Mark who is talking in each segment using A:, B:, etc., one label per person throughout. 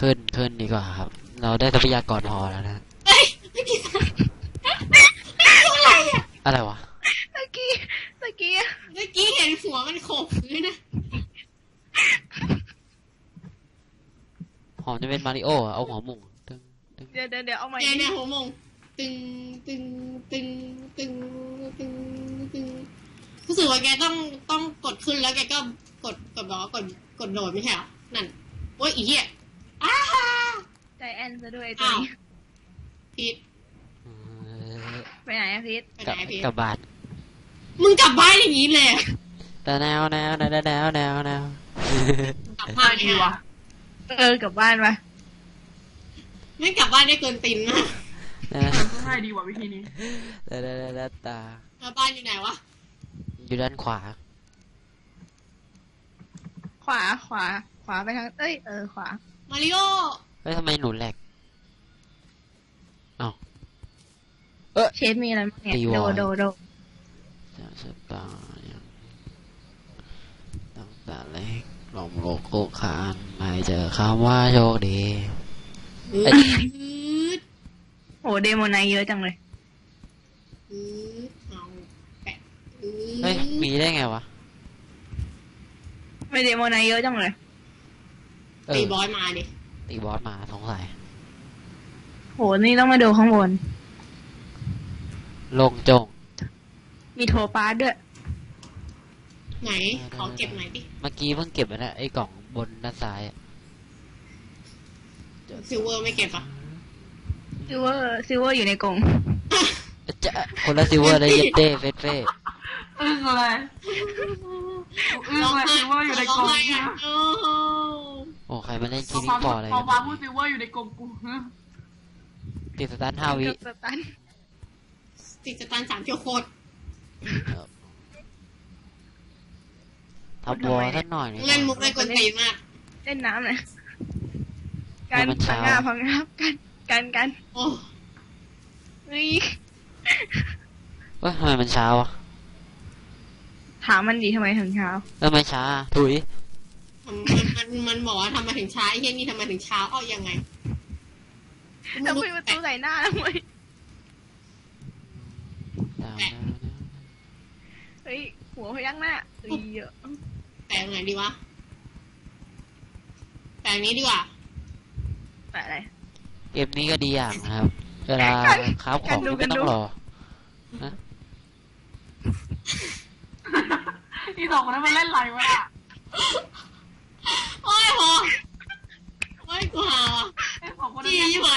A: ขึ้นดีกว่าครับเราได้ทรัพยากรพอแล้วนะ
B: เฮ้ยไม่กินอะไรอ่ะ
A: อะไรวะ
C: เมื่อกี้
B: เมื่อกี้เห็นหัวมันโขกพื้นนะ
A: หอมจะเป็นมาริโอเอาหัวหมุงตึง
C: เดี๋ยวเอาใหม่
B: เนี่ยหัวมงตึงตึงตึงตึงตึงตึงรู้สึกว่าแกต้องกดขึ้นแล้วแกก็กดบอกว่ากดโดดไม่ใช่เหรอนั่นโอ้ยอีเหี้ยอ้า
C: ใจแอนซะด้วยตัวนี้
B: พีท
C: ไปไหนอะพีท
A: กลับบ้าน
B: มึงกลับบ้านอย่างนี้เลย
A: แต่แนว
B: กลับบ้านดีวะ
C: กลับบ้านไป
B: ไม่กลับบ้านได้เกินตินมาก
C: ง่ายดีกว่าวิธีนี้
A: ตา
B: บ้านอยู่ไหนวะ
A: อยู่ด้านขวา
C: ขวาไปทางขวา
B: มาริโอ
A: เฮ้ยทำไมหนูแหลก
C: เชฟมีอะไรบ้างเนี่ยโด
A: จะตาตั้งแต่เล็กหลงโลกโกคานไม่เจอคำว่าโชคดี
C: โอ้เดโมไนเยอะจังเลย
A: เฮ้ยมีได้ไงวะ
C: ไม่เดโมไนเยอะจังเลย
B: ตีบอสมาดิ
A: ตีบอสมาสงสัย
C: โหนี่ต้องมาดูข้างบน
A: ลงจง
C: มีโทปาสด้วย
B: ไหนขอเก็บหน่อยดิ
A: เมื่อกี้เพิ่งเก็บไปนะไอ้กล่องบนด้านซ้าย
B: ซิลเวอร์ไม่เก็บอ่ะ
C: ซิลเวอร์อยู่ในกล่อง
A: จะคนละซิลเวอร์เลยเย็ดเต้เฟส
C: อะไรซิลเวอร์อยู่ในกล่อง
A: โอ้ใครมาเล่นคิดต่ออะไร
C: พอฟ้าพูดซิลเวอร์อยู่ในกล่องกู
A: ติดสตาร์ท5 วิ
B: ติดสตาร์ท3 ชั่วโคตร
A: ทับวอลท่านหน่อย
B: เล่นมุกได้กวนตีนมาก
C: เล่นน้ำเลยการพังงากัน
B: โอ้
C: ย
A: ว่าทำไมมันเช้าอ่ะ
C: ถามมันดีทำไมถึงเช้า
A: ทำไมช้าถุย
B: มันบอกว่าทำไมถึงช้าไอ้เหี้ยนี่ทำไมถึงเช้ายังไง
C: แล้วคุยประตูใส่หน้าทำไมเฮ้ยหัวพยักหน้าเยอะ
B: แปลงไหนดีวะแปลงนี้ดีกว่า
C: แปลอะไร
A: เกมนี้ก็ดีอย่างนะครับเวลาค้าของไม่ต้องรอ
C: ที่สองคนนั้นมันเล่นไรวะ
B: โอ้ยพอโอ้ยกูหาว่ะจี้ยี่ไหม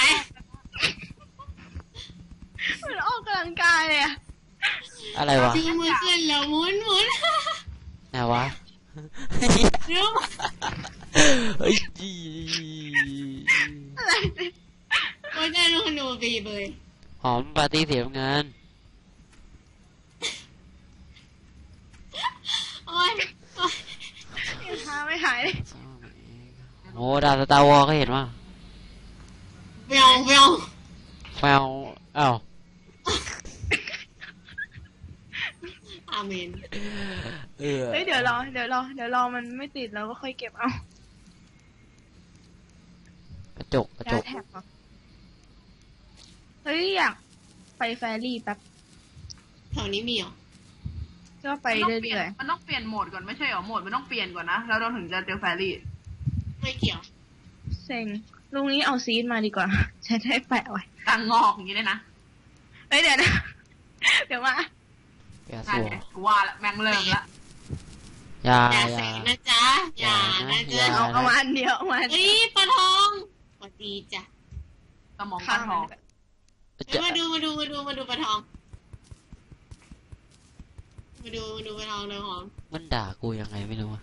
C: มันออกกำลังกายเลยอะ
A: อะไรวะ
B: ชื่อมือขึ้นแล้วหมุน
A: ไหนวะ
B: เดี๋ยว
A: เฮ้ยจี
C: อะไร
B: ไม่ได้ลูกหนูบีเลย
A: หอมปาร์ตี้เสียงาน
B: โอ้ย
C: ไม่หายเลย
A: โอ้ดาวสตาร์วอลก็เห็นว่า
B: แวว
A: อ้าว
B: อาเมน
C: เฮ้ยเดี๋ยวรอมันไม่ติดแล้วก็ค่อยเก็บเอา
A: กระจก
C: แท็บเฮ้ยอยากไปแฟรี่แป๊บ
B: แถวนี้มีเหรอ
C: ก็ไปเรื่อย
D: ๆมันต้องเปลี่ยนโหมดก่อนไม่ใช่หรอโหมดมันต้องเปลี่ยนก่อนนะแล้วเราถึงจะเจอแฟรี่
B: ไม่เกี่ยว
C: เซ็งลุงนี้เอาซีดมาดีกว่าจะได้แปะไว้
D: กลางงอกอย่างนี้เลยนะ
C: เฮ้ยเดี๋ยวมา
A: นั่น
D: ไงกูว่าละแม่งเริ่มละ
A: อย่า
B: นะจ๊ะอย่านะจ๊ะ
C: เอามาอันเดียวมา
B: เฮ้ยปลาทองสวัสดีจ้ะ
D: สมองปลาทอง
B: มาดูปลาทองมาดูปลาทองเลยหอม
A: มันด่ากูยังไงไม่รู้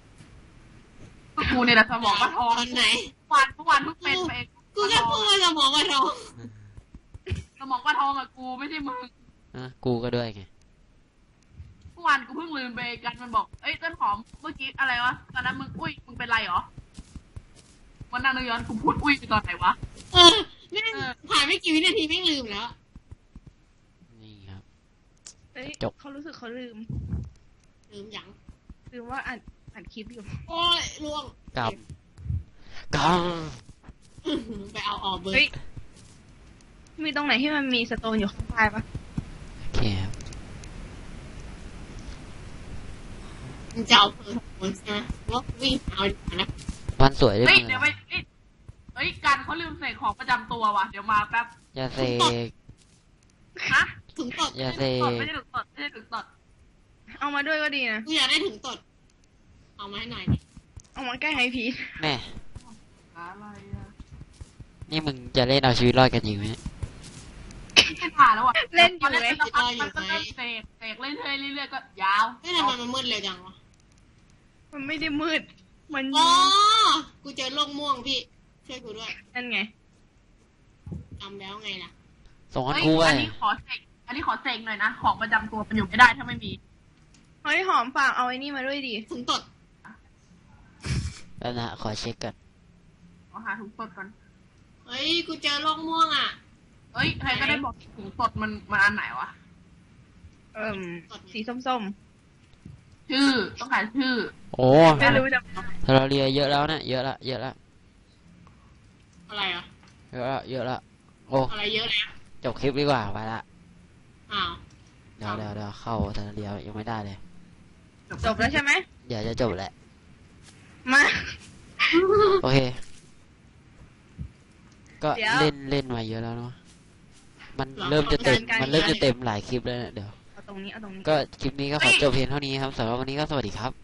D: กูเนี่ยแหละสมองปลาทอง
B: ตอนไหน
D: ทุกวันทุกเป็นเอง
B: กูแค่พูดว่าสมองปลาทอง
D: สมองปลาทองอะกูไม่ใช่มึง
A: กูก็ด้วยไง
D: เมื่อวานกูเพิ่งลืมไปกันมันบอกเอ้ยต้นหอมเมื่อกี้อะไรวะตอนนั้นมึงมึงเป็นไรหรอวันนั้นนึกย้อนกูพูดไปตอนไหนวะ
B: นี่ผ่านไม่กี่วินาทีไม่ลืมแล้ว
A: นี่ครับ
C: จบเขารู้สึกเขาลืม
B: ยัง
C: ลืมว่าอัดคลิปอยู่
B: โอ้ยล่วง
A: กำ
B: ไปเอาออกเบอร์
C: เฮ้ย มีตรงไหนที่มันมีสโตนอยู่ข้างใต้ปะ
A: โอเคครับ
B: มึงจะเอาเบอร์คนใช่ไหมว่าวิ่งเอาดีกว่านะ
A: วันสวยด้วย
D: เฮ้ย
A: มึง
D: เดี๋ยวไปเฮ้ยการเขาลืมเสกของประจำตัวว่ะเดี๋ยวมาแป๊บ
A: อย่าเสก
D: ฮะ
B: ถึงตด
A: อย่าเส
D: ไม่
A: ก
D: ได้ถึงตดไม่ได้ถึงตด
C: เอามาด้วยก็ดีนะ
B: กูอยากได้ถึงตดเอามาให้หน่อยดิ
C: เอามาใกล้ไฮพีท
A: แม่
D: อะไรอ่ะ
A: นี่มึงจะเล่นเอาชีวิตรอดกันจริงไหม
D: ไม่ผ่านแล้วอ่ะ
C: เล่นอยู่เลย
D: มันก็เริ่มเสกเรื่อยๆก็ยาว
B: เฮ้ยทำไมมันมืดเร็วจังวะ
C: มันไม่ได้มืด มัน
B: อ๋อกูเจอโลกม่วงพี่ช่วยกูด้วย
C: นั่นไง
B: จำแล้วไงล่ะ
A: ส่งให้
D: เฮ้ย
A: กูไว้
D: อันนี้ขอเสกหน่อยนะของประจำตัวมันอยู่ไม่ได้ถ้าไม่มี
C: เฮ้ยหอมฝากเอาไอ้นี่มาด้วยดิ
B: ถึงตด
A: แล้วนะขอเช็คก่อน
D: ขอหาถุงตดก่อน
B: เฮ้ยกูเจอโลกม่วงอ่ะ
D: เฮ้ยใครก็ได้บอกถุงตดมันอันไหนวะ
C: สีส้ม
D: ชื่อต้องหาชื่อ
A: โอ้
C: ๆ ไม่รู้จะ
A: เราเรียเยอะแล้วนะเยอะละเยอะละ
B: อะไรอ่ะ
A: เยอะละเยอะละโอ้
B: อะไรเยอะแล้ว
A: จบคลิปดีกว่าไปละ
B: อ้าว
A: เดี๋ยวเข้าเทอร์เรียยังไม่ได้เลย
C: จบแล้วใช่ไหม
A: เดี๋ยวจะจบแหละ
C: มา
A: โอเค ก็
C: เดี๋ยว
A: เล่นมาเยอะแล้วเนาะมันเริ่มจะเต็มมันเริ่มจะเต็มหลายคลิปแล้วเนี่ยเดี๋ยว
C: เอาตรงนี้ เอาตรงนี้
A: ก็คลิปนี้ก็ขอจบเพียงเท่านี้ครับสำหรับวันนี้ก็สวัสดีครับ